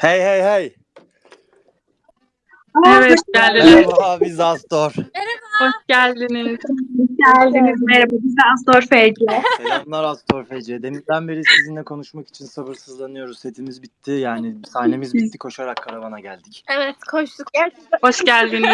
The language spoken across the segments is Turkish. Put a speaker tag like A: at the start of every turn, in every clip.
A: Hey hey hey.
B: Evet, geldiniz.
A: Merhaba biz Astor.
B: Hoş geldiniz.
C: Geldiniz. Merhaba. Biz de Astor FC.
A: Selamlar Astor FC. Deminden beri sizinle konuşmak için sabırsızlanıyoruz. Setimiz bitti. Yani sahnemiz bitti. Koşarak karavana geldik.
D: Evet, koştuk. Gerçekten.
B: Hoş geldiniz.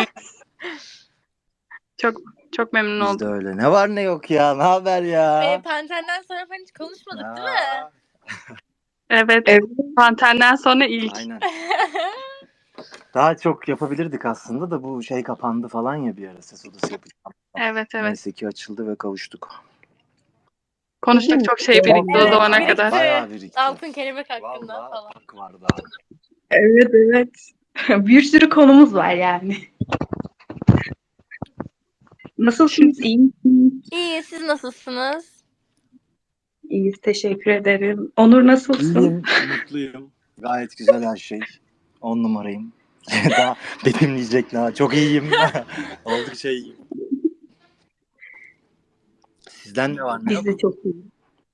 B: Çok memnun
A: Biz de
B: oldum.
A: öyle. Ne var ne yok ya. Ne haber ya?
D: Panter'den sonra falan hiç konuşmadık değil mi?
A: Aa,
B: Evet. Pantenden sonra ilk.
A: Aynen. Daha çok yapabilirdik aslında da bu şey kapandı falan ya bir ara ses odası yapacağım.
B: Evet.
A: Neyse ki açıldı ve kavuştuk.
B: Konuştuk çok şey birikti o
D: Evet,
B: zamana
D: birikti.
B: kadar.
A: Bayağı birikti.
D: Altın kelebek hakkında
A: Vallahi
D: falan.
A: hak var daha.
C: Evet. Bir sürü konumuz var yani. Nasılsınız? İyi misiniz?
D: İyi, siz nasılsınız?
C: İyiyiz. Teşekkür ederim. Onur nasılsın?
A: İyiyim, mutluyum. Gayet güzel her şey. 10 numarayım. Daha betimleyecek daha. Çok iyiyim. Oldukça iyiyim. Sizden ne var ne yok?
C: Biz de çok iyiyiz.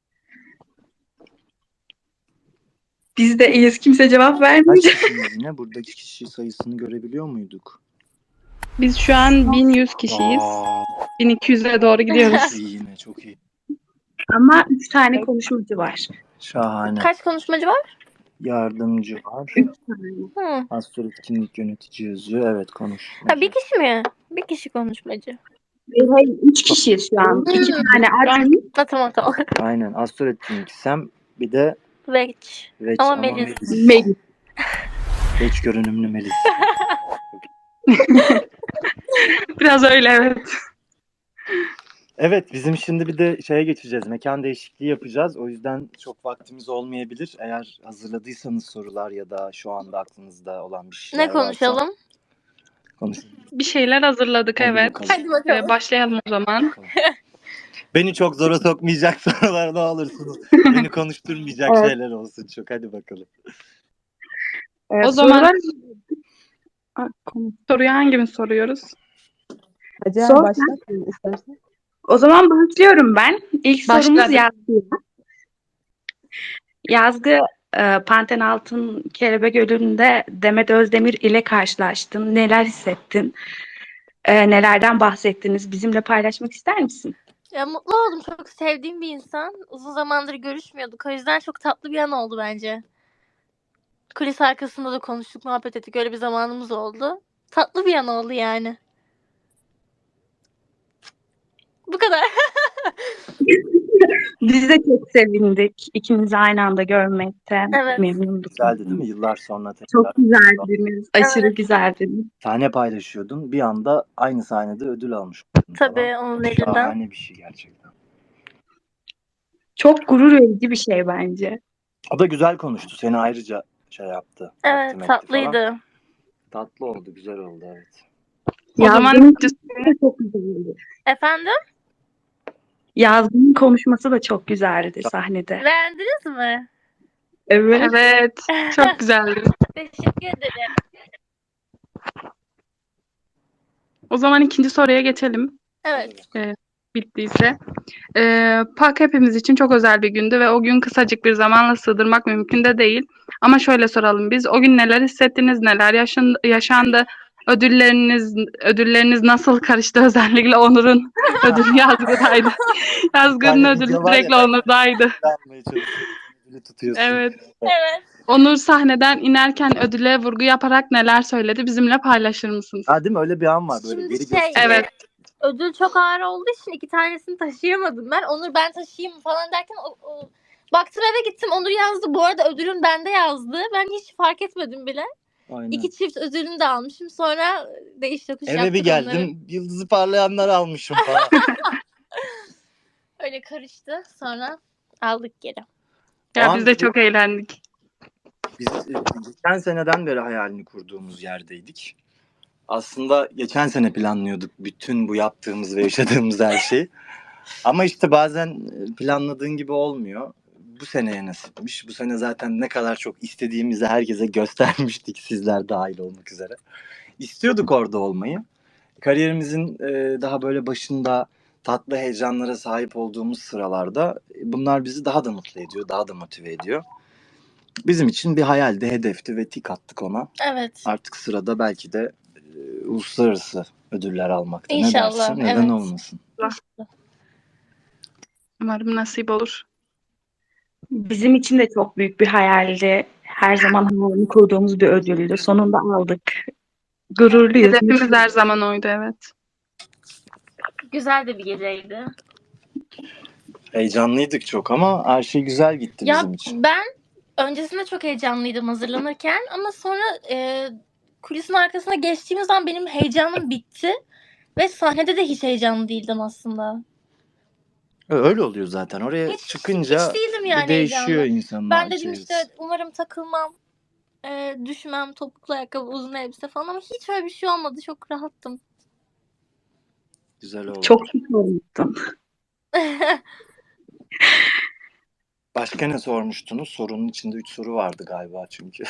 C: Biz de iyiyiz. Kimse cevap
A: Kaç
C: vermeyecek.
A: kişiyiz yine? Buradaki kişi sayısını görebiliyor muyduk?
B: Biz şu an 1100 kişiyiz.
A: Aa,
B: 1200'e doğru gidiyoruz.
A: iyi yine çok iyi.
C: Ama 3 tane konuşmacı var.
A: Şahane.
D: Kaç konuşmacı var?
A: Yardımcı var.
C: 3 tane.
D: Hı.
A: Astro etkinlik yönetici yazıyor. Evet konuş.
D: Ha, bir kişi mi? Bir kişi konuşmacı.
C: Hayır, 3 kişiyiz şu an. 2 tane admin.
D: Ha, tamam.
A: Aynen. Astro etkinlik Sem bir de
D: Veç.
A: Veç
D: Ama
A: ama
D: Melis.
C: Melis.
A: Veç görünümlü Melis.
B: Biraz öyle evet.
A: Evet bizim şimdi bir de şeye geçeceğiz. Mekan değişikliği yapacağız. O yüzden çok vaktimiz olmayabilir. Eğer hazırladıysanız sorular ya da şu anda aklınızda olan bir şeyler
D: Ne konuşalım?
A: varsa konuşun.
B: Bir şeyler hazırladık
A: Hadi
B: evet.
A: bakalım.
D: Hadi bakalım.
B: Başlayalım o zaman.
A: Beni çok zora sokmayacak sorular ne olursunuz. Beni konuşturmayacak
C: Evet.
A: şeyler olsun çok. Hadi bakalım.
B: O zaman-
C: sorular-
B: Soruyu hangimiz soruyoruz?
E: Hacer
C: Sor
E: başlat istersen.
C: O zaman başlıyorum ben. İlk
B: Başladı.
C: sorumuz Yazgı. Yazgı, Panten Altın Kelebek Gölü'nde Demet Özdemir ile karşılaştın. Neler hissettin? Nelerden bahsettiniz? Bizimle paylaşmak ister misin?
D: Ya, mutlu oldum. Çok sevdiğim bir insan. Uzun zamandır görüşmüyorduk. O yüzden çok tatlı bir an oldu bence. Kulis arkasında da konuştuk, muhabbet ettik. Öyle bir zamanımız oldu. Tatlı bir an oldu yani. Bu kadar.
C: Biz de çok sevindik. İkinizi aynı anda görmekten
D: Evet.
C: memnunduk.
A: Güzeldi değil mi? Yıllar sonra tekrar.
C: Çok güzeldiniz. Aşırı
D: Evet.
C: güzeldiniz.
A: Sahne paylaşıyordun. Bir anda aynı sahnede ödül almış oldun
D: Tabii
A: falan.
D: onun elinden.
A: Şahane bir şey gerçekten.
C: Çok gurur verici bir şey bence.
A: O da güzel konuştu. Seni ayrıca şey yaptı.
D: Evet,
A: takdim etti falan.
D: tatlıydı.
A: Tatlı oldu. Güzel oldu evet.
B: O zaman
C: Yazgı'nın konuşması da çok güzeldi.
D: Efendim?
C: Yazgı'nın konuşması da çok güzeldi sahnede.
D: Beğendiniz mi?
C: Evet.
B: Evet. Çok güzeldi.
D: Teşekkür ederim.
B: O zaman ikinci soruya geçelim.
D: Evet.
B: Bittiyse. PAK hepimiz için çok özel bir gündü ve o gün kısacık bir zamanla sığdırmak mümkün de değil. Ama şöyle soralım biz. O gün neler hissettiniz? Neler yaşandı? Ödülleriniz nasıl karıştı? Özellikle Onur'un ödülü Yazgı'daydı. Yazgı'nın
A: tane
B: ödülü
A: video var ya,
B: direkt Onur'daydı.
A: Almaya çalışıyorsun. Ödülü tutuyorsun.
B: Evet.
D: Evet.
B: Onur sahneden inerken ödüle vurgu yaparak neler söyledi? Bizimle paylaşır mısınız?
A: Ha değil mi? Öyle bir an var böyle.
D: Şimdi
A: Geri
D: şey,
A: gösteriyor.
B: Evet.
D: ödül çok ağır olduğu için 2 tanesini taşıyamadım ben. Onur ben taşıyayım falan derken baktım eve gittim. Onur yazdı. Bu arada ödülün bende yazdı. Ben hiç fark etmedim bile.
A: Aynen.
D: 2 çift ödülünü de almışım. Sonra değiş tokuş
A: Eve
D: yaptık
A: bir geldim.
D: onları.
A: Yıldızı parlayanlar almışım falan.
D: Öyle karıştı. Sonra aldık geri.
B: Ya
A: O
B: biz
A: an
B: de çok eğlendik.
A: Biz geçen seneden beri hayalini kurduğumuz yerdeydik. Aslında geçen sene planlıyorduk bütün bu yaptığımız ve yaşadığımız her şeyi. Ama işte bazen planladığın gibi olmuyor. Bu seneye nasipmiş. Bu sene zaten ne kadar çok istediğimizi herkese göstermiştik, sizler dahil olmak üzere. İstiyorduk orada olmayı. Kariyerimizin daha böyle başında tatlı heyecanlara sahip olduğumuz sıralarda bunlar bizi daha da mutlu ediyor, daha da motive ediyor. bizim için bir hayaldi, hedefti ve tik attık ona.
D: Evet.
A: Artık sırada belki de uluslararası ödüller almakta. Ne
D: İnşallah,
A: dersin? Neden
D: evet.
A: olmasın?
B: Umarım nasip olur.
C: Bizim için de çok büyük bir hayaldi. Her zaman hayalini kurduğumuz bir ödüldü. Sonunda aldık. Gururluyuz.
B: Hedefimiz her zaman oydu, evet.
D: Güzel de bir geceydi.
A: Heyecanlıydık çok ama her şey güzel gitti
D: Ya
A: bizim için.
D: ben öncesinde çok heyecanlıydım hazırlanırken ama sonra kulisin arkasına geçtiğimiz an benim heyecanım bitti ve sahnede de hiç heyecanlı değildim aslında.
A: Öyle oluyor zaten. Oraya çıkınca
D: hiç değildim
A: bir
D: yani
A: değişiyor
D: heyecanlı.
A: insanın
D: Ben
A: hal
D: dedim
A: çevresi.
D: işte umarım takılmam, düşmem, topuklu ayakkabı, uzun elbise falan ama hiç öyle bir şey olmadı. Çok rahattım.
A: Güzel oldu.
C: Çok şık olmuşsun.
A: Başka ne sormuştunuz? Sorunun içinde 3 soru vardı galiba çünkü.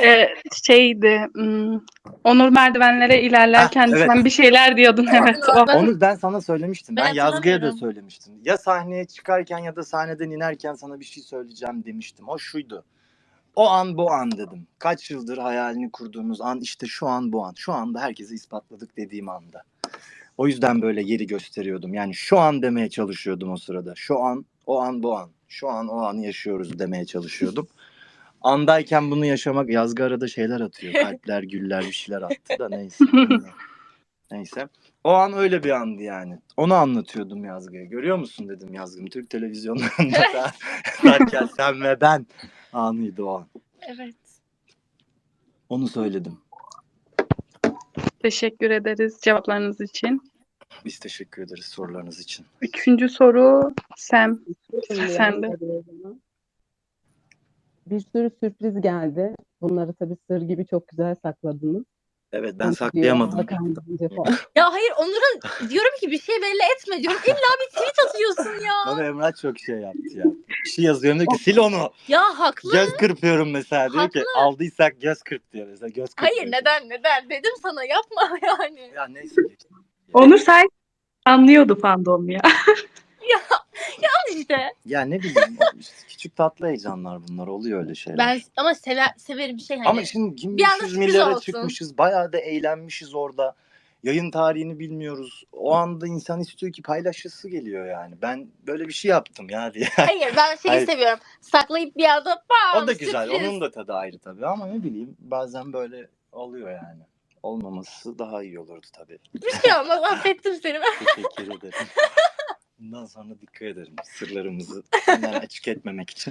B: Onur merdivenlere ilerlerken
A: evet.
B: sen bir şeyler diyordun, evet. O.
A: Onu ben sana söylemiştim.
D: Ben
A: Ben Yazgı'ya da
D: hatırlamıyorum.
A: söylemiştim. Ya sahneye çıkarken ya da sahneden inerken sana bir şey söyleyeceğim demiştim. O şuydu. O an bu an dedim. Kaç yıldır hayalini kurduğumuz an işte şu an bu an. Şu anda herkese ispatladık dediğim anda. O yüzden böyle yeri gösteriyordum. Yani şu an demeye çalışıyordum o sırada. Şu an, o an bu an. Şu an o anı yaşıyoruz demeye çalışıyordum. Andayken bunu yaşamak, Yazgı arada şeyler atıyor. Kalpler, güller bir şeyler attı da neyse. Neyse. O an öyle bir andı yani. Onu anlatıyordum Yazgı'ya. Görüyor musun dedim Yazgı'm. Türk televizyonlarında derken sen ve ben anıydı o an.
D: Evet.
A: Onu söyledim.
B: Teşekkür ederiz cevaplarınız için.
A: Biz teşekkür ederiz sorularınız için.
B: 3. soru Sam.
E: Şimdi
B: Sen de.
E: hadi o zaman. Bir sürü sürpriz geldi. Bunları tabii sır gibi çok güzel sakladınız.
A: Evet ben
E: Onu
A: saklayamadım.
E: diyor, Hakan Bence falan.
D: Ya hayır Onur'a diyorum ki bir şey belli etme diyorum. İlla bir tweet atıyorsun ya.
A: Bana Emrah çok şey yaptı ya. Bir şey yazıyorum diyor ki sil onu.
D: Ya haklı.
A: Göz kırpıyorum mesela diyor ki
D: Haklı.
A: aldıysak göz kırp diyor mesela. Göz kırpıyor.
D: Hayır neden dedim sana yapma yani.
A: Ya neyse.
C: Onur say anlıyordu fandom ya.
D: Al işte.
A: Ya ne bileyim işte küçük tatlı heyecanlar bunlar oluyor öyle şeyler.
D: Ben ama severim şey hani.
A: Ama şimdi kim
D: bir anda
A: 500
D: sürpriz
A: milyara
D: olsun.
A: çıkmışız. Bayağı da eğlenmişiz orada. Yayın tarihini bilmiyoruz. O anda insan istiyor ki paylaşısı geliyor yani. Ben böyle bir şey yaptım ya diye.
D: Hayır ben şeyi
A: Hayır.
D: seviyorum. Saklayıp bir anda bam
A: O da güzel.
D: sürpriz.
A: Onun da tadı ayrı tabii ama ne bileyim bazen böyle oluyor yani. Olmaması daha iyi olurdu tabii.
D: Bir şey olmaz affettim seni.
A: Teşekkür ederim. Bundan sonra dikkat ederim sırlarımızı senden açık etmemek için.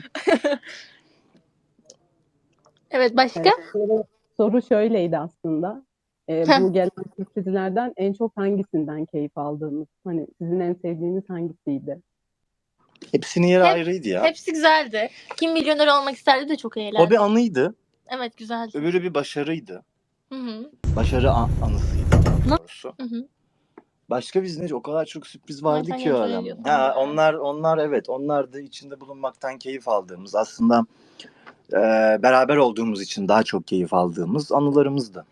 D: Evet başka?
E: Evet, soru şöyleydi aslında. Bu gelen sürprizlerden en çok hangisinden keyif aldığınız? Hani sizin en sevdiğiniz hangisiydi?
A: Hepsinin yeri ayrıydı ya.
D: Hepsi güzeldi. Kim milyoner olmak isterdi de çok eğlendi.
A: O bir anıydı.
D: Evet güzeldi.
A: Öbürü bir başarıydı.
D: Hı.
A: Başarı anısıydı daha doğrusu.
D: Hı.
A: Başka bizde o kadar çok sürpriz vardı
D: Zaten
A: ki o
D: kontrol
A: adam.
D: ediyor
A: Ha,
D: falan.
A: onlar evet. Onlar da içinde bulunmaktan keyif aldığımız aslında beraber olduğumuz için daha çok keyif aldığımız anılarımızdı.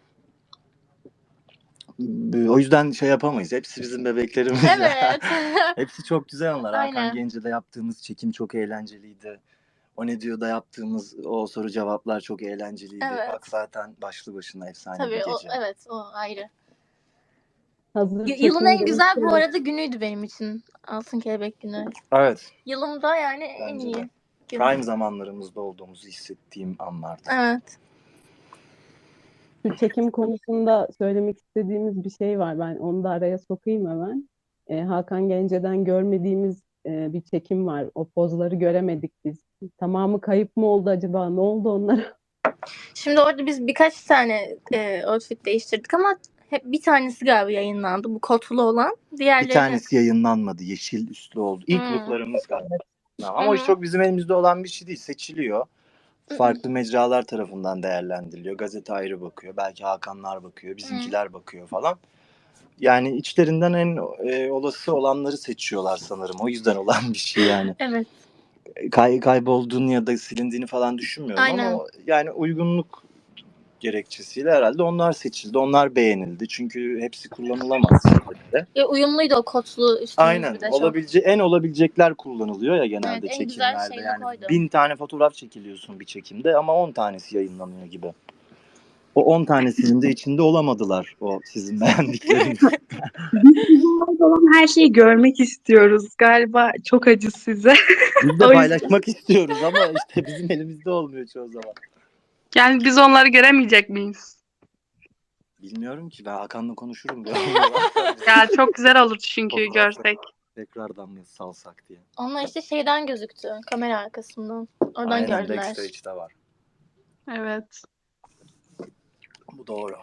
A: O yüzden şey yapamayız. Hepsi bizim bebeklerimiz.
D: Evet.
A: Hepsi çok güzel anılar.
D: Aynen.
A: Hakan Gence'de yaptığımız çekim çok eğlenceliydi. O ne diyor'da yaptığımız o soru cevaplar çok eğlenceliydi.
D: Evet.
A: Bak zaten başlı başına efsane
D: Tabii
A: bir
D: o,
A: gece.
D: evet o ayrı.
E: Hazır
D: Yılın en
E: çekim
D: güzel bu
E: demişken-
D: arada günüydü benim için. Altın Kelebek günü.
A: Evet.
D: Yılımda yani en
A: Bence
D: iyi.
A: de.
D: gün.
A: Prime zamanlarımızda olduğumuzu hissettiğim anlardı.
D: Evet.
E: Şu çekim konusunda söylemek istediğimiz bir şey var. Ben onu da araya sokayım hemen. Hakan Gence'den görmediğimiz bir çekim var. O pozları göremedik biz. Tamamı kayıp mı oldu acaba? Ne oldu onlara?
D: Şimdi orada biz birkaç tane outfit değiştirdik ama hep bir tanesi galiba yayınlandı. Bu kotulu olan. Diğerleri
A: Bir tanesi yayınlanmadı. Yeşil üstlü oldu. İlk
D: Hmm.
A: looklarımız galiba. Ama o
D: Hı.
A: çok bizim elimizde olan bir şey değil. Seçiliyor. Farklı mecralar tarafından değerlendiriliyor. Gazete ayrı bakıyor. Belki Hakanlar bakıyor. Bizimkiler bakıyor falan. Yani içlerinden en olası olanları seçiyorlar sanırım. O yüzden olan bir şey yani.
D: Evet.
A: Kaybolduğunu ya da silindiğini falan düşünmüyorum
D: Aynen.
A: ama yani uygunluk gerekçesiyle herhalde onlar seçildi. Onlar beğenildi. Çünkü hepsi kullanılamaz şeyde.
D: Ya uyumluydu o kotlu üstümüz
A: Aynen.
D: bir de çok.
A: En olabilecekler kullanılıyor ya genelde
D: Evet, en güzel
A: çekimlerde.
D: şeyini
A: Yani
D: koydu.
A: 1000 tane fotoğraf çekiliyorsun bir çekimde ama 10 tanesi yayınlanıyor gibi. O 10 tanesinin de içinde olamadılar o sizin beğendikleriniz.
C: Biz olan her şeyi görmek istiyoruz. Galiba çok acı size.
A: Biz de
C: O yüzden
A: paylaşmak istiyoruz ama işte bizim elimizde olmuyor çoğu zaman.
B: Yani biz onları göremeyecek miyiz?
A: Bilmiyorum ki, ben Hakan'la konuşurum.
B: Ya çok güzel olur çünkü görsek.
A: Tekrardan mı salsak diye.
D: Onlar işte şeyden gözüktü. Kamera arkasından. Oradan
A: Aynen,
D: gördüler.
A: backstage'de var.
B: Evet.
A: Bu doğru.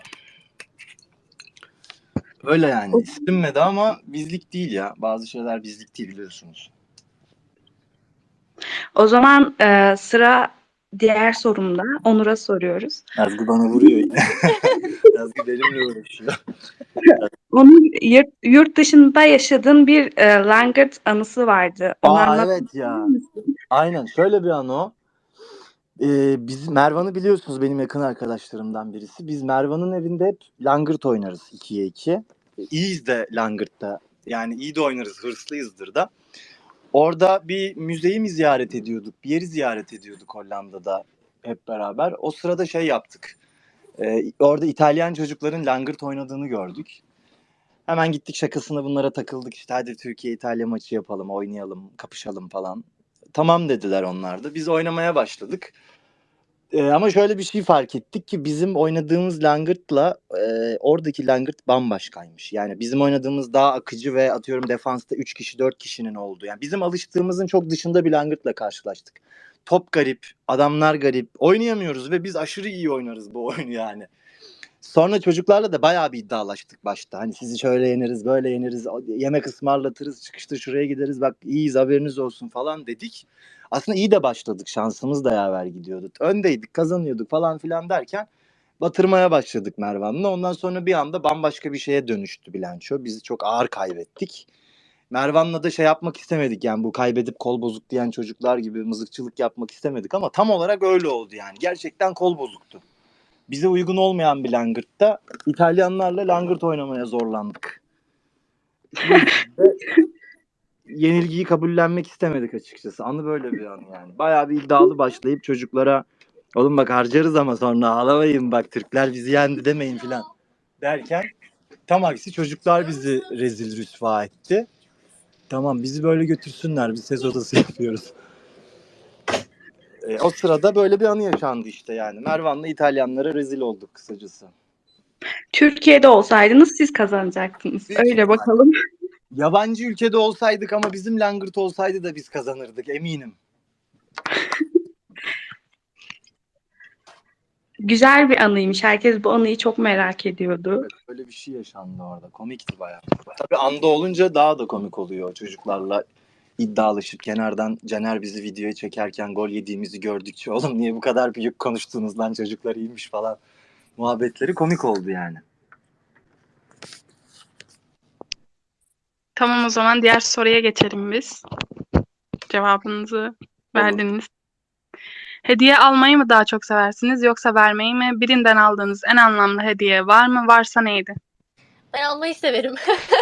A: Öyle yani. İstinmedi ama bizlik değil ya. Bazı şeyler bizlik değil, biliyorsunuz.
C: o zaman sıra diğer sorumda. Onur'a soruyoruz.
A: Yazgı bana vuruyor yine. Yazgı benimle uğraşıyor.
C: Onun yurt dışında yaşadığın bir langırt anısı vardı. Onu anlatmak
A: Evet ya.
C: misin?
A: Aynen, şöyle bir an o. Biz Mervan'ı biliyorsunuz, benim yakın arkadaşlarımdan birisi. Biz Mervan'ın evinde hep langırt oynarız 2'ye 2. İyiyiz de langırtta. Yani iyi de oynarız, hırslıyızdır da. Orada bir müzeyi mi ziyaret ediyorduk? Bir yeri ziyaret ediyorduk Hollanda'da hep beraber. O sırada şey yaptık. Orada İtalyan çocukların langırt oynadığını gördük. Hemen gittik, şakasına bunlara takıldık. İşte hadi Türkiye-İtalya maçı yapalım, oynayalım, kapışalım falan. Tamam dediler onlar da. Biz oynamaya başladık. Ama şöyle bir şey fark ettik ki bizim oynadığımız langırtla oradaki langırt bambaşkaymış. Yani bizim oynadığımız daha akıcı ve atıyorum defansta 3 kişi 4 kişinin olduğu. Yani bizim alıştığımızın çok dışında bir langırtla karşılaştık. Top garip, adamlar garip. Oynayamıyoruz ve biz aşırı iyi oynarız bu oyunu yani. Sonra çocuklarla da bayağı bir iddialaştık başta. Hani sizi şöyle yeneriz, böyle yeneriz, yemek ısmarlatırız, çıkışta şuraya gideriz, bak iyiyiz haberiniz olsun falan dedik. Aslında iyi de başladık, şansımız da yaver gidiyordu. Öndeydik, kazanıyorduk falan filan derken batırmaya başladık Mervan'la. Ondan sonra bir anda bambaşka bir şeye dönüştü bilanço. Biz çok ağır kaybettik. Mervan'la da şey yapmak istemedik, yani bu kaybedip kol bozuk diyen çocuklar gibi mızıkçılık yapmak istemedik ama tam olarak öyle oldu yani. Gerçekten kol bozuktu. Bize uygun olmayan bir langırtta İtalyanlarla langırt oynamaya zorlandık. Ve yenilgiyi kabullenmek istemedik açıkçası. Anı böyle bir an yani. Bayağı bir iddialı başlayıp çocuklara oğlum bak harcarız ama sonra ağlamayın, bak Türkler bizi yendi demeyin filan derken tam aksi çocuklar bizi rezil rüsva etti. Tamam, bizi böyle götürsünler, biz ses odası yapıyoruz. O sırada böyle bir anı yaşandı işte yani. Mervan'la İtalyanlara rezil olduk kısacası.
C: Türkiye'de olsaydınız siz kazanacaktınız.
A: Büyük
C: Öyle
A: ihtimal.
C: bakalım.
A: Yabancı ülkede olsaydık ama bizim langırt olsaydı da biz kazanırdık, eminim.
C: Güzel bir anıymış. Herkes bu anıyı çok merak ediyordu.
A: Evet, öyle bir şey yaşandı orada. Komikti bayağı. Tabii anda olunca daha da komik oluyor. Çocuklarla iddialaşıp kenardan Caner bizi videoya çekerken gol yediğimizi gördükçe oğlum niye bu kadar büyük konuştunuz lan, çocuklar iyiymiş falan muhabbetleri komik oldu yani.
B: Tamam, o zaman diğer soruya geçelim biz. Cevabınızı verdiniz. Hediye almayı mı daha çok seversiniz yoksa vermeyi mi? Birinden aldığınız en anlamlı hediye var mı? Varsa neydi?
D: Ben almayı severim.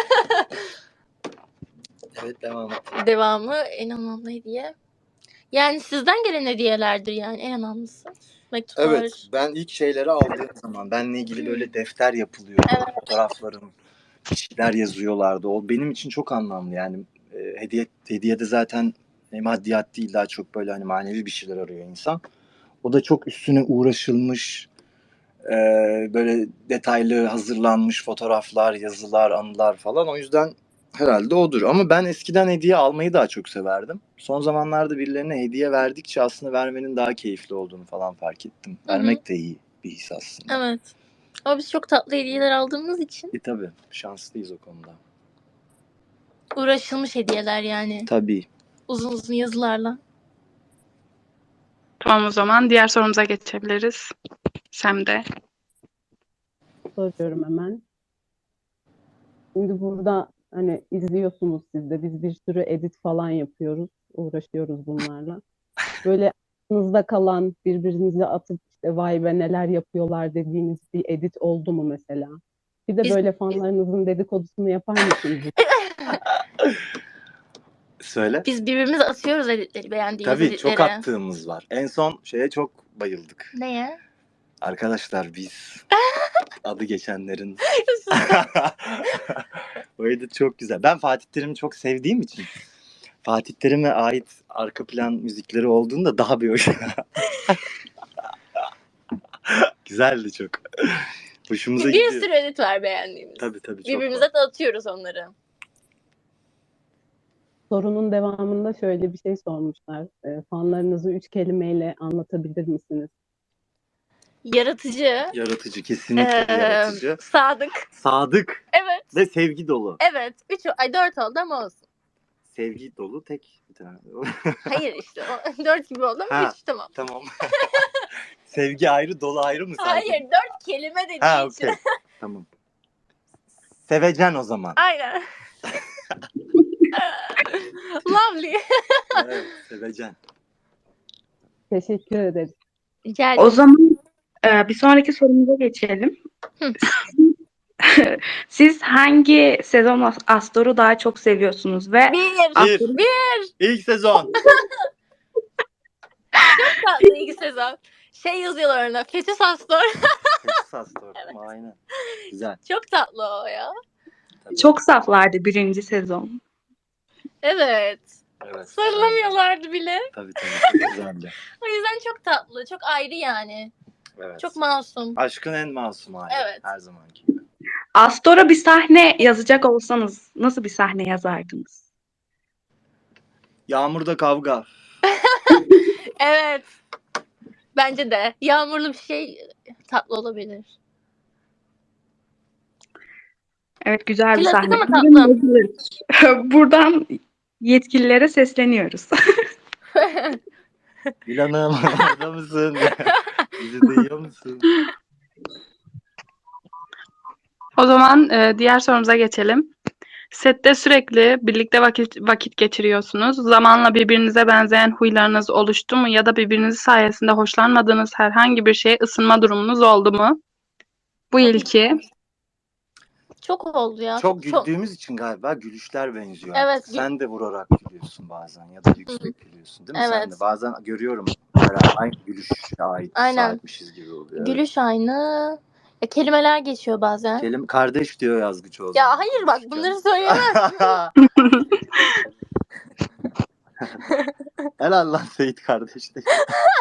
A: Evet, devam et.
D: Devamı en anlamlı hediye. Yani sizden gelen hediyelerdir yani en önemlisi. Mektuplar.
A: Evet, ben ilk şeyleri aldığım zaman benle ilgili böyle defter yapılıyor.
D: Evet.
A: Fotoğraflarım, kişiler yazıyorlardı. O benim için çok anlamlı yani. Hediyede zaten maddiyat değil, daha çok böyle hani manevi bir şeyler arıyor insan. O da çok üstüne uğraşılmış, böyle detaylı hazırlanmış fotoğraflar, yazılar, anılar falan. O yüzden herhalde odur. Ama ben eskiden hediye almayı daha çok severdim. Son zamanlarda birilerine hediye verdikçe aslında vermenin daha keyifli olduğunu falan fark ettim.
D: Hı hı.
A: Vermek de iyi bir his aslında.
D: Evet. Ama biz çok tatlı hediyeler aldığımız için
A: Tabii şanslıyız o konuda.
D: uğraşılmış hediyeler yani.
A: Tabii.
D: Uzun uzun yazılarla.
B: Tamam, o zaman diğer sorumuza geçebiliriz. Sem'de.
E: Soruyorum hemen. Şimdi burada hani izliyorsunuz siz de, biz bir sürü edit falan yapıyoruz, uğraşıyoruz bunlarla. Böyle aklınızda kalan, birbirinize atıp işte vay be neler yapıyorlar dediğiniz bir edit oldu mu mesela? Bir de
D: Biz-
E: böyle fanlarınızın dedikodusunu yapar mısınız?
A: Söyle.
D: Biz birbirimize atıyoruz editleri, beğendiğimiz
A: Tabii çok
D: editleri.
A: attığımız var. En son şeye çok bayıldık.
D: Neye?
A: Arkadaşlar biz adı geçenlerin o edit çok güzel. Ben Fatih Terim'i çok sevdiğim için Fatih Terim'e ait arka plan müzikleri olduğunda daha bir hoş. Güzeldi çok. Hoşumuza
D: Bir
A: gidiyor.
D: sürü edit var beğendiğimiz.
A: Tabii çok
D: Birbirimize
A: var.
D: de atıyoruz onları.
E: Sorunun devamında şöyle bir şey sormuşlar. Fanlarınızı 3 kelimeyle anlatabilir misiniz?
D: Yaratıcı.
A: Yaratıcı, kesinlikle yaratıcı.
D: Sadık.
A: Sadık
D: Evet.
A: ve sevgi dolu.
D: Evet. 4 oldu ama olsun.
A: Sevgi dolu tek bir tane.
D: Hayır işte. 4 gibi oldu ama
A: Ha.
D: 3 tamam.
A: Tamam. Sevgi ayrı, dolu ayrı mı saydın?
D: Hayır 4 kelime dediği
A: Ha,
D: için.
A: okey. Tamam. Sevecen o zaman.
D: Aynen. Lovely.
A: Evet, sevecen.
E: Teşekkür ederiz.
D: Rica
C: O zaman bir sonraki sorumuza geçelim.
D: Hı.
C: Siz hangi sezon Astor'u daha çok seviyorsunuz ve
A: Bir. İlk sezon.
D: tatlı ilk sezon. Şey yazıyorlar orada. Fetüs Astor.
A: Texas Astor. Aynen. Güzel.
D: Çok tatlı o ya.
A: Tabii.
C: çok saflardı birinci sezon.
D: Evet.
A: Evet.
D: Sarılamıyorlardı bile.
A: Tabii çok güzeldi.
D: O yüzden çok tatlı. Çok ayrı yani.
A: Evet.
D: Çok masum.
A: Aşkın en masum hali.
D: Evet.
A: Her zamanki gibi.
C: Astor'a bir sahne yazacak olsanız nasıl bir sahne yazardınız?
A: Yağmurda kavga.
D: Evet. Bence de. Yağmurlu bir şey tatlı olabilir.
C: Evet, güzel bir
D: Klasik
C: sahne.
D: ama
C: Bugün
D: tatlı.
C: yazılır. Buradan yetkililere sesleniyoruz.
A: Dilan'ım orada mısın? Bizi duyuyor musun?
B: O zaman diğer sorumuza geçelim. Sette sürekli birlikte vakit geçiriyorsunuz. Zamanla birbirinize benzeyen huylarınız oluştu mu ya da birbiriniz sayesinde hoşlanmadığınız herhangi bir şeye ısınma durumunuz oldu mu? Bu ilki.
D: Çok oldu ya.
A: Çok güldüğümüz için galiba gülüşler benziyor.
D: Evet,
A: artık. Sen de vurarak gülüyorsun bazen ya da yüksek gülüyorsun değil mi? Sen
D: Evet.
A: de bazen görüyorum beraber aynı gülüşe ait
D: Aynen.
A: sahipmişiz gibi oluyor.
D: Gülüş aynı. Ya, kelimeler geçiyor bazen.
A: Kardeş diyor Yazgıçoğlu.
D: Ya hayır bak bunları söyleyemez.
A: Helal lan Seyit kardeş de.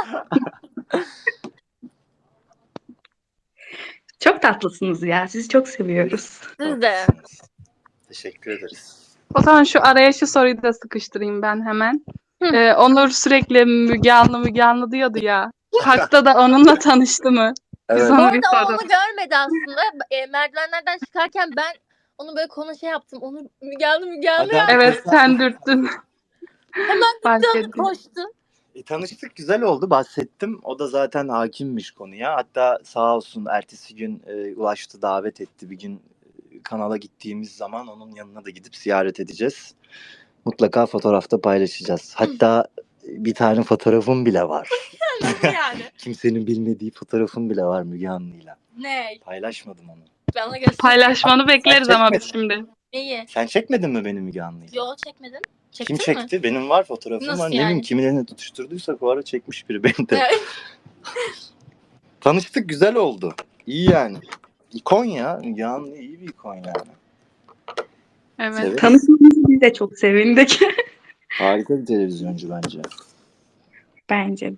C: Çok tatlısınız ya. Sizi çok seviyoruz.
D: Siz de.
A: Teşekkür ederiz.
B: O zaman şu araya şu soruyu da sıkıştırayım ben hemen.
D: Hı.
B: Onur sürekli Müge Anlı diyordu ya. Parkta da onunla tanıştı mı? Biz
A: Evet.
D: Bu
B: onu bir
D: arada o
B: soralım.
D: onu görmedi aslında. Merdivenlerden çıkarken ben onu böyle yaptım. Onu Müge Anlı
A: Hadi,
D: yaptı.
B: Evet, sen dürttün.
D: Hemen
B: Fark
D: gitti
B: ettim.
D: koştu.
A: Tanıştık, güzel oldu, bahsettim. O da zaten hakimmiş konuya. Hatta sağ olsun ertesi gün ulaştı, davet etti. Bir gün kanala gittiğimiz zaman onun yanına da gidip ziyaret edeceğiz. Mutlaka fotoğrafta paylaşacağız. Hatta bir tane fotoğrafım bile var.
D: Nasıl yani?
A: Kimsenin bilmediği fotoğrafım bile var Müge Anlı'yla.
D: Ne?
A: Paylaşmadım onu.
D: Bana göster.
B: Paylaşmanı bekleriz ama biz şimdi.
D: Neyi?
A: Sen çekmedin mi benim Müge Anlı'yla?
D: Yo çekmedin.
A: Kim
D: Çektin mi?
A: çekti? Benim var fotoğrafım
D: Nasıl
A: var. Ne
D: yani?
A: bileyim kimin tutuşturduysak o ara çekmiş biri beni de.
D: Evet.
A: Tanıştık, güzel oldu. İyi yani. İkon ya. Müge Anlı iyi bir ikon yani.
B: Evet.
A: Severiz.
C: Tanışmanızı biz de çok sevindik.
A: Harika bir televizyoncu bence.
C: Bence.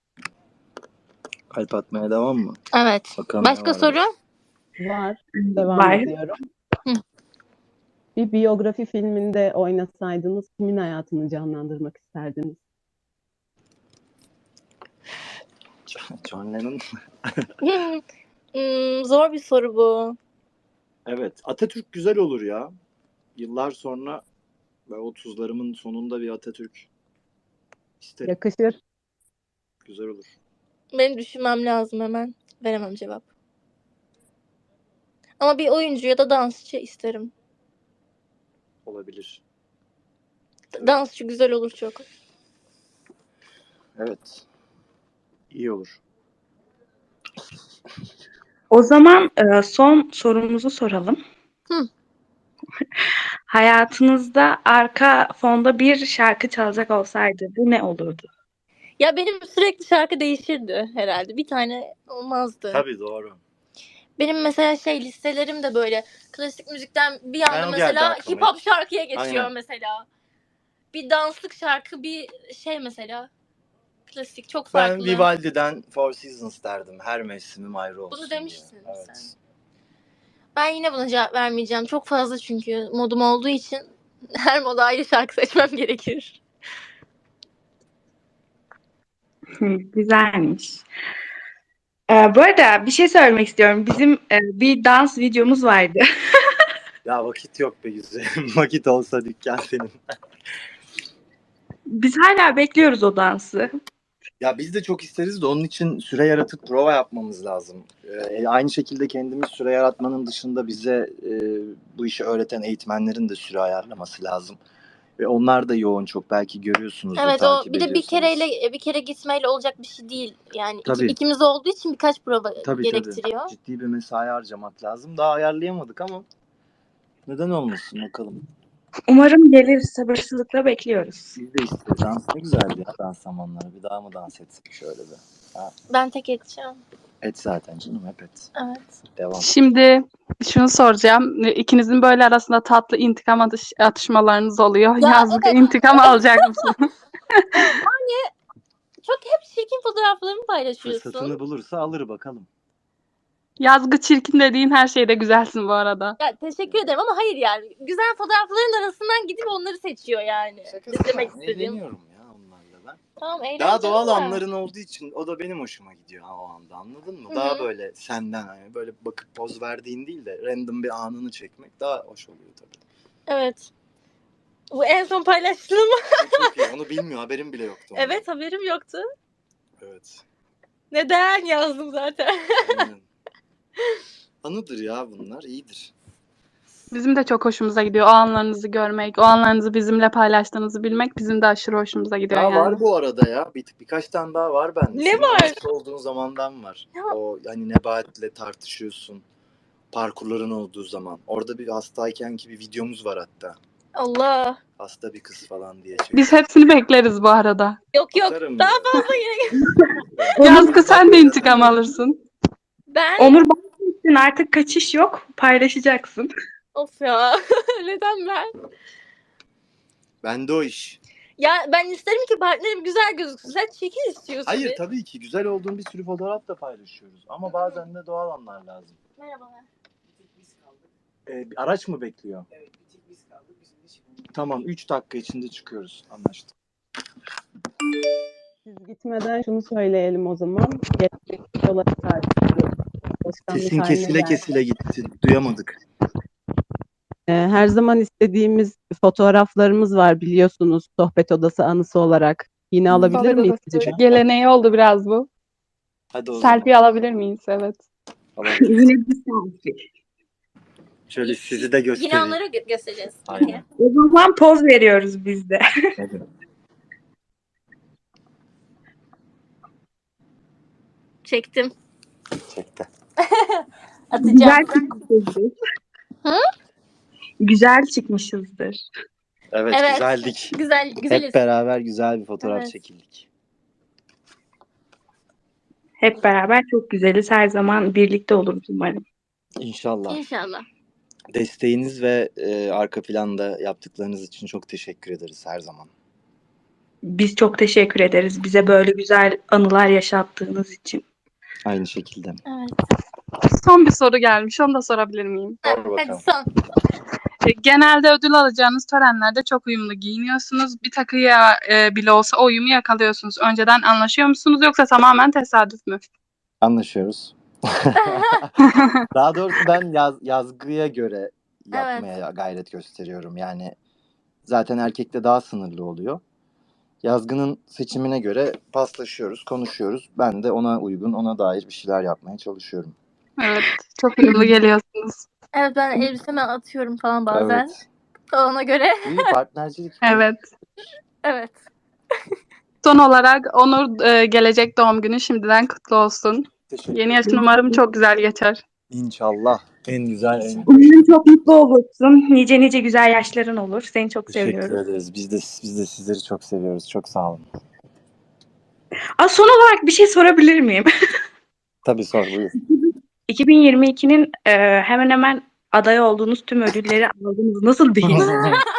A: Kalp atmaya devam mı?
D: Evet.
A: Bakalım ne
D: Başka
A: var.
D: soru?
E: Var. Devam
C: Var.
E: ediyorum.
D: Hı.
E: Bir biyografi filminde oynasaydınız kimin hayatını canlandırmak isterdiniz?
A: John Lennon.
D: Zor bir soru bu.
A: Evet. Atatürk güzel olur ya. Yıllar sonra ve 30'larımın sonunda bir Atatürk isterim.
E: Yakışır.
A: Güzel olur.
D: Benim düşünmem lazım hemen. Veremem cevap. Ama bir oyuncu ya da dansçı isterim.
A: Olabilir.
D: Dansçı güzel olur çok.
A: Evet. İyi olur.
C: O zaman son sorumuzu soralım.
D: Hı.
C: Hayatınızda arka fonda bir şarkı çalacak olsaydı bu ne olurdu?
D: Ya benim sürekli şarkı değişirdi herhalde. Bir tane olmazdı.
A: Tabii doğru.
D: Benim mesela listelerim de böyle klasik müzikten bir
A: Ben
D: anda
A: o geldi
D: mesela
A: aklıma
D: hip hop
A: ilk.
D: şarkıya geçiyor
A: Aynen.
D: mesela. Bir danslık şarkı, bir mesela. Klasik, çok
A: Ben
D: farklı.
A: Vivaldi'den Four Seasons derdim. Her mevsimim ayrı olsun
D: Bunu
A: diye.
D: demiştin
A: Evet.
D: sen. Ben yine buna cevap vermeyeceğim. Çok fazla çünkü modum olduğu için her moda ayrı şarkı seçmem gerekir.
C: Güzelmiş. Bu arada bir şey söylemek istiyorum. Bizim bir dans videomuz vardı.
A: Ya vakit yok be güzelim. Vakit olsa dükkan senin.
C: Biz hala bekliyoruz o dansı.
A: Ya biz de çok isteriz de onun için süre yaratıp prova yapmamız lazım. Aynı şekilde kendimiz süre yaratmanın dışında bize bu işi öğreten eğitmenlerin de süre ayarlaması lazım. Ve onlar da yoğun çok. Belki görüyorsunuzdur,
D: Evet, o
A: takip
D: bir de
A: ediyorsanız.
D: bir kere gitmeyle olacak bir şey değil. Yani
A: Tabii.
D: ikimiz olduğu için birkaç prova
A: Tabii.
D: gerektiriyor.
A: Ciddi bir mesai harcamak lazım. Daha ayarlayamadık ama neden olmasın bakalım.
C: Umarım gelir. Sabırsızlıkla bekliyoruz.
A: Biz de isteriz. Dans ne güzeldi ya dans zamanları. Bir daha mı dans etsek şöyle bir. Ha,
D: Ben tek edeceğim.
A: et zaten canım hep et.
D: Evet.
A: Devam.
B: Şimdi şunu soracağım. İkinizin böyle arasında tatlı intikam atışmalarınız oluyor.
D: Ya
B: Yazlık
D: evet.
B: intikam alacak mısın?
D: Çok hep çirkin fotoğraflarımı paylaşıyorsun.
A: Fırsatını bulursa alır bakalım.
B: Yazgı çirkin dediğin her şeyde güzelsin bu arada.
D: Ya teşekkür ederim ama hayır yani. Güzel fotoğrafların arasından gidip onları seçiyor yani. Demek istediğim.
A: Eğleniyorum ya onlarla ben.
D: Tamam, eğlenceli
A: Daha doğal
D: de.
A: anların olduğu için o da benim hoşuma gidiyor o anda, anladın mı?
D: Hı hı.
A: Daha böyle senden hani böyle bakıp poz verdiğin değil de random bir anını çekmek daha hoş oluyor tabii.
D: Evet. Bu en son paylaştığım.
A: Çok iyi. Onu bilmiyor, haberim bile yoktu. ondan.
D: Evet, haberim yoktu.
A: Evet.
D: Neden yazdım zaten.
A: Aynen. Anıdır ya bunlar, iyidir.
B: Bizim de çok hoşumuza gidiyor o anlarınızı görmek, o anlarınızı bizimle paylaştığınızı bilmek bizim de aşırı hoşumuza gidiyor
A: Ya
B: yani.
A: var bu arada ya. Birkaç tane daha var bende.
D: Ne
A: Senin
D: var?
A: hasta olduğun zamandan var.
D: Ya.
A: O hani Nebahat'le tartışıyorsun. Parkurların olduğu zaman. Orada bir hastayken ki bir videomuz var hatta.
D: Allah.
A: Hasta bir kız falan diye.
B: Biz hepsini bekleriz bu arada.
D: Yok.
A: Atarım
D: Daha
A: ya.
D: fazla yine.
B: Yazgı sen de intikam alırsın.
D: Ben
C: Onur bahsettin, artık kaçış yok. Paylaşacaksın.
D: of ya. Neden ben?
A: Bende o iş.
D: Ya ben isterim ki partnerim güzel gözüksün. Sen çirkin istiyorsun.
A: Hayır
D: bir.
A: tabii ki güzel olduğun bir sürü fotoğraf da paylaşıyoruz. Ama bazen de doğal anlar lazım.
D: Merhabalar.
A: Bir araç mı bekliyor? Evet, bir tek biz kaldık. Bizim de çıkıyoruz. Tamam, 3 dakika içinde çıkıyoruz. Anlaştık.
E: Siz gitmeden şunu söyleyelim o zaman. Gelecek yola tartışıyoruz. Başkanlık
A: Sesin
E: haline
A: kesile
E: geldi.
A: kesile gitti. Duyamadık.
E: Her zaman istediğimiz fotoğraflarımız var biliyorsunuz sohbet odası anısı olarak. Yine alabilir
B: Sohbet
E: miyiz
B: odası
E: acaba?
B: geleneği oldu biraz bu.
A: Hadi o zaman.
B: Selfie alabilir miyiz? Evet.
A: Alabiliriz.
C: Yine bir selfie.
A: Şöyle sizi de
D: Yine
A: göstereyim.
D: onları göstereceğiz.
A: Aynen.
C: O zaman poz veriyoruz biz de.
A: Evet.
D: Çektim.
A: Çekti.
D: Atacağım.
C: Güzel çıkmışızdır.
D: Hı?
C: Güzel çıkmışızdır.
A: Evet,
D: Evet.
A: güzeldik.
D: Güzeliz.
A: Hep beraber güzel bir fotoğraf
D: Evet.
A: çekildik.
C: Hep beraber çok güzeliz. Her zaman birlikte oluruz umarım.
A: İnşallah.
D: İnşallah.
A: Desteğiniz ve arka planda yaptıklarınız için çok teşekkür ederiz her zaman.
C: Biz çok teşekkür ederiz bize böyle güzel anılar yaşattığınız için.
A: Aynı şekilde.
D: Evet.
B: Son bir soru gelmiş. Onu da sorabilir miyim?
A: Sor
D: Hadi
A: bakalım.
D: son.
B: Genelde ödül alacağınız törenlerde çok uyumlu giyiniyorsunuz. Bir takıya bile olsa o uyumu yakalıyorsunuz. Önceden anlaşıyor musunuz yoksa tamamen tesadüf mü?
A: Anlaşıyoruz. Daha doğrusu ben yazgıya göre yapmaya gayret gösteriyorum. Yani zaten erkekte daha sınırlı oluyor. Yazgının seçimine göre paslaşıyoruz, konuşuyoruz. Ben de ona uygun, ona dair bir şeyler yapmaya çalışıyorum.
B: Evet. Çok uyumlu geliyorsunuz.
D: Evet, ben elbiseme atıyorum falan bazen.
A: Evet.
D: Ona göre.
A: İyi partnercilik.
B: Evet.
D: Evet.
B: Son olarak Onur gelecek doğum günü şimdiden kutlu olsun.
A: Teşekkür
B: Yeni
A: ederim.
B: yaşın umarım çok güzel geçer.
A: İnşallah. En güzel, en
C: Umarım çok mutlu olursun. Nice nice güzel yaşların olur. Seni çok
A: teşekkür
C: seviyorum.
A: ederiz. Biz de sizleri çok seviyoruz. Çok sağ olun.
C: Son olarak bir şey sorabilir miyim?
A: Tabii sor buyur.
C: 2022'nin hemen hemen aday olduğunuz tüm ödülleri aldınız. Nasıl bir his?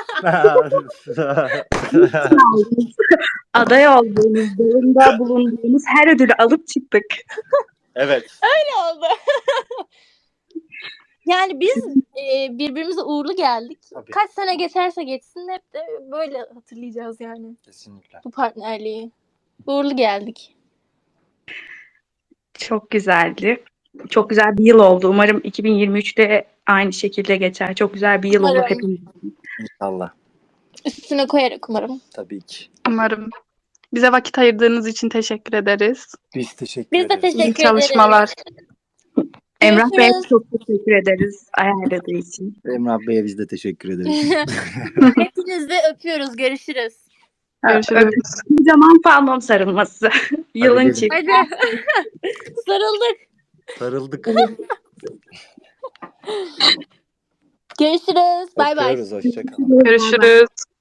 C: Aday olduğunuz, yolunda bulunduğunuz her ödülü alıp çıktık.
A: Evet.
D: Ne oldu? Yani biz birbirimize uğurlu geldik.
A: Tabii.
D: Kaç sene geçerse geçsin hep de böyle hatırlayacağız yani
A: Kesinlikle.
D: bu partnerliği. Uğurlu geldik.
C: Çok güzeldi. Çok güzel bir yıl oldu. Umarım 2023'te aynı şekilde geçer. Çok güzel bir yıl olur
D: Umarım.
C: hepimiz.
A: İnşallah.
D: Üstüne koyarak umarım.
A: Tabii ki.
B: Umarım. Bize vakit ayırdığınız için teşekkür ederiz.
A: Biz teşekkür
D: Biz de
A: ederiz.
B: İyi
D: teşekkür
B: çalışmalar.
C: Emrah Bey'e
D: Görüşürüz.
C: çok teşekkür ederiz ayarladığı için.
A: Emrah Bey'e biz de teşekkür ederiz.
D: Hepinizi öpüyoruz. Görüşürüz.
B: Görüşürüz.
C: Bir zaman palmom sarılması. Yılın
A: gelin.
C: çift.
D: Hadi. Sarıldık.
A: Sarıldık.
D: Görüşürüz. Bay bay.
A: Öpüyoruz. Hoşça kalın.
B: Görüşürüz.